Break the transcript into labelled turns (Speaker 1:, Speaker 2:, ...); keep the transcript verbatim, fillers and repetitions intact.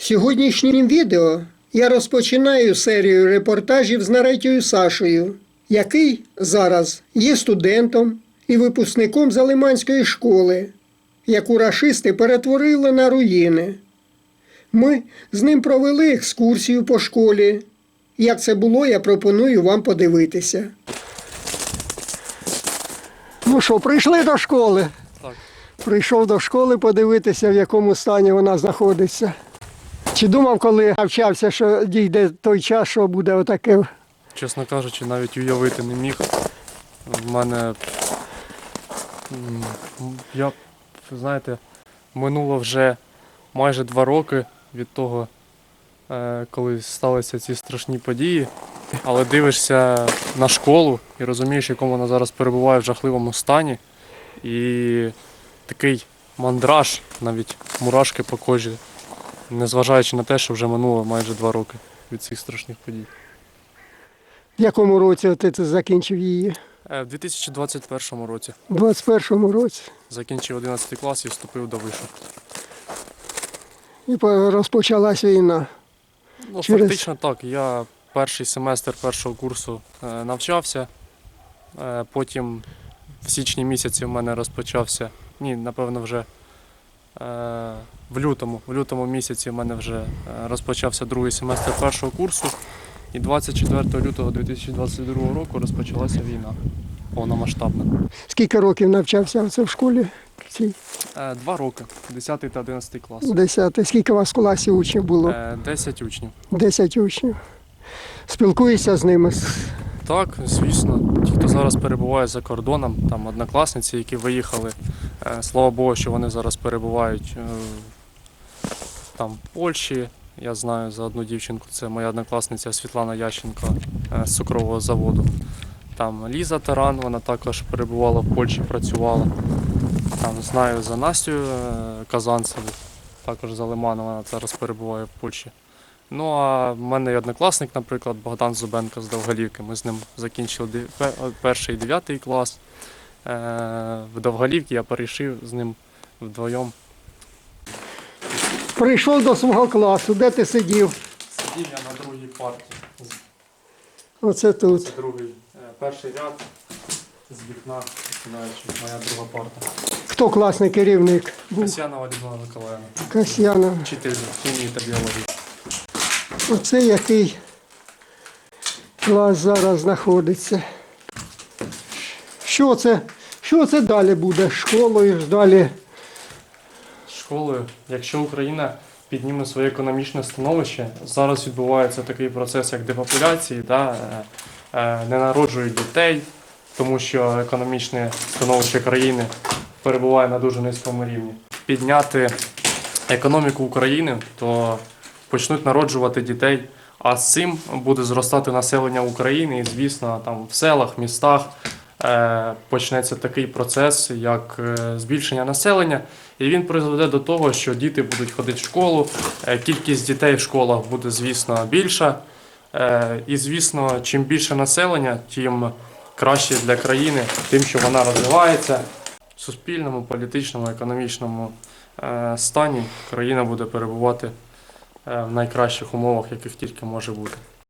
Speaker 1: Сьогоднішнім відео я розпочинаю серію репортажів з Наретєю Сашею, який зараз є студентом і випускником Залиманської школи, яку рашисти перетворили на руїни. Ми з ним провели екскурсію по школі. Як це було, я пропоную вам подивитися. Ну що, прийшли до школи?
Speaker 2: Так.
Speaker 1: Прийшов до школи подивитися, в якому стані вона знаходиться. Чи думав, коли навчався, що дійде той час, що буде отаке?
Speaker 2: Чесно кажучи, навіть уявити не міг. В мене, м, я, знаєте, минуло вже майже два роки від того, е, коли сталися ці страшні події. Але дивишся на школу і розумієш, в якому вона зараз перебуває в жахливому стані. І такий мандраж, навіть мурашки по кожі, незважаючи на те, що вже минуло майже два роки від цих страшних подій.
Speaker 1: В якому році ти це закінчив її?
Speaker 2: У дві тисячі двадцять першому році
Speaker 1: У двадцять першому році.
Speaker 2: закінчив одинадцятий клас і вступив до вишу.
Speaker 1: І розпочалась війна.
Speaker 2: Ну,
Speaker 1: Через-
Speaker 2: Фактично так. Я перший семестр першого курсу е, навчався, е, потім в січні місяці в мене розпочався, ні, напевно, вже е, в лютому, в лютому місяці в мене вже е, розпочався другий семестр першого курсу, і двадцять четвертого лютого дві тисячі двадцять другого року розпочалася війна повномасштабна.
Speaker 1: Скільки років навчався оце в школі? Цій?
Speaker 2: Е, Два роки, десятий та одинадцятий клас.
Speaker 1: Десятий. Скільки у вас в класі учнів було?
Speaker 2: Е, Десять учнів.
Speaker 1: Десять учнів. Спілкуєшся з ними?
Speaker 2: Так, звісно. Ті, хто зараз перебуває за кордоном, там однокласниці, які виїхали, е, слава Богу, що вони зараз перебувають е, там в Польщі. Я знаю за одну дівчинку, це моя однокласниця Світлана Ященко е, з цукрового заводу. Там Ліза Таран, вона також перебувала в Польщі, працювала. Там знаю за Настю е, Казанцеву, також за Лиманом, вона зараз перебуває в Польщі. Ну а в мене є однокласник, наприклад, Богдан Зубенко з Довголівки. Ми з ним закінчили дев- пе- перший і дев'ятий клас. Е, В Довголівці я перейшов з ним вдвоєм.
Speaker 1: Прийшов до свого класу. Де ти сидів?
Speaker 2: Сидів я на другій парті.
Speaker 1: Оце тут.
Speaker 2: Це другий, е, перший ряд з вікна, починаючи, моя друга парта.
Speaker 1: Хто класний керівник був?
Speaker 2: Касьянова Людмила Миколаївна,
Speaker 1: Касьянов.
Speaker 2: вчитель хімії та біології.
Speaker 1: Оце який клас зараз знаходиться. Що це? Що це далі буде? Школою ж далі?
Speaker 2: Школою, якщо Україна підніме своє економічне становище, зараз відбувається такий процес, як депопуляції, да, е, е, не народжують дітей, тому що економічне становище країни перебуває на дуже низькому рівні. Підняти економіку України, то почнуть народжувати дітей, а з цим буде зростати населення України, і, звісно, там в селах, містах е, почнеться такий процес, як е, збільшення населення, і він призведе до того, що діти будуть ходити в школу, е, кількість дітей в школах буде, звісно, більша, е, і, звісно, чим більше населення, тим краще для країни, тим, що вона розвивається. В суспільному, політичному, економічному е, стані країна буде перебувати в найкращих умовах, яких тільки може бути.